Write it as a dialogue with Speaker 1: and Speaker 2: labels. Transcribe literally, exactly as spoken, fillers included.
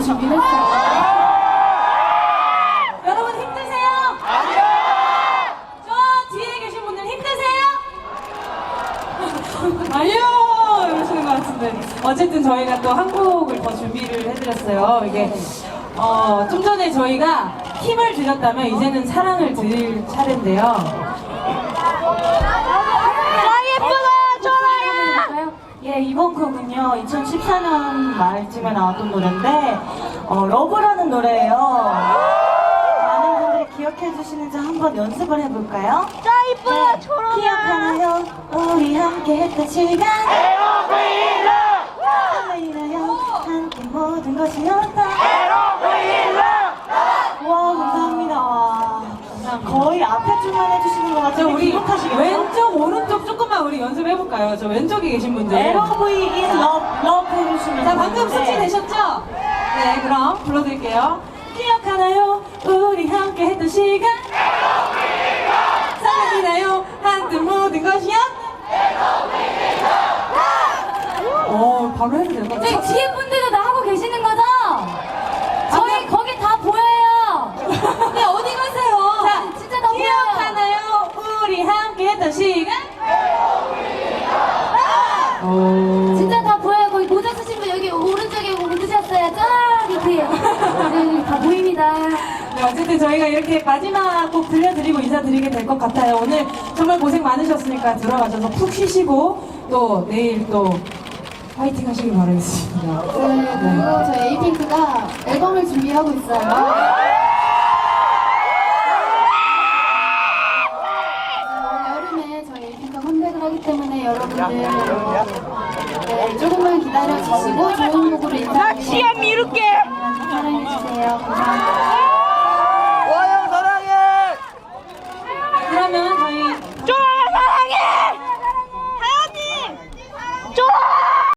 Speaker 1: 준비했어요.
Speaker 2: 여러분 힘드세요? 아니요! 저 뒤에 계신 분들 힘드세요? 아니요! 이러시는 것 같은데. 어쨌든 저희가 또 한 곡을 더 준비를 해드렸어요. 이게, 어, 좀 전에 저희가 힘을 드렸다면 이제는 사랑을 드릴 차례인데요.
Speaker 3: 예, 이번 곡은요, 이천십사 년 말쯤에 나왔던 노래인데, 어, 러브라는 노래예요. 많은 분들이 기억해 주시는지 한번 연습을 해볼까요?
Speaker 4: 짜 이쁘다, 초롱아.
Speaker 3: 기억하나요? 우리 함께 했던 시간. 설레이나요? 함께 모든 것이었다. 와, 감사합니다. 와. 거의 앞에 줄만 해주시는 것
Speaker 2: 저
Speaker 3: 같아요.
Speaker 2: 우리
Speaker 3: 기억하시겠어요?
Speaker 2: 왼쪽, 오른쪽 조금만 우리 연습해볼까요? 저 왼쪽에 계신 분들.
Speaker 3: 엘오브이 in love, love 해주시면
Speaker 2: 자, 방금 숙지
Speaker 3: 되는데.
Speaker 2: 되셨죠? 네, 그럼 불러드릴게요. 기억하나요? 우리 함께 했던 시간. 사랑이나요? 한뜻 모든 것이요? 어, 바로 해도 되는 것
Speaker 1: 네,
Speaker 2: 같아요.
Speaker 1: 뒤에 분들도 나하고 계시는 거죠? 저희 거기 다 보여요.
Speaker 2: 네, 어디 가세요? 자,
Speaker 1: 진짜 다 보여요.
Speaker 2: 기억하나요? 우리 함께 했던 시간. 오.
Speaker 1: 진짜 다 보여요. 거기 모자 쓰신 분 여기 오른쪽에 묻으셨어요. 짠! 이렇게. 네, 다 보입니다.
Speaker 2: 네, 어쨌든 저희가 이렇게 마지막 곡 들려드리고 인사드리게 될 것 같아요. 오늘 정말 고생 많으셨으니까 들어가셔서 푹 쉬시고 또 내일 또 파이팅 하시길 바라겠습니다.
Speaker 1: 네, 그리고 저희 에이핑크가 앨범을 준비하고 있어요. 여름에 저희 에이핑크가 컴백을 하기 때문에 여러분들 네, 조금만 기다려주시고 좋은 곡으로 인사드리고
Speaker 4: 시험 미룰게.
Speaker 1: 사랑해주세요. 감사합니다.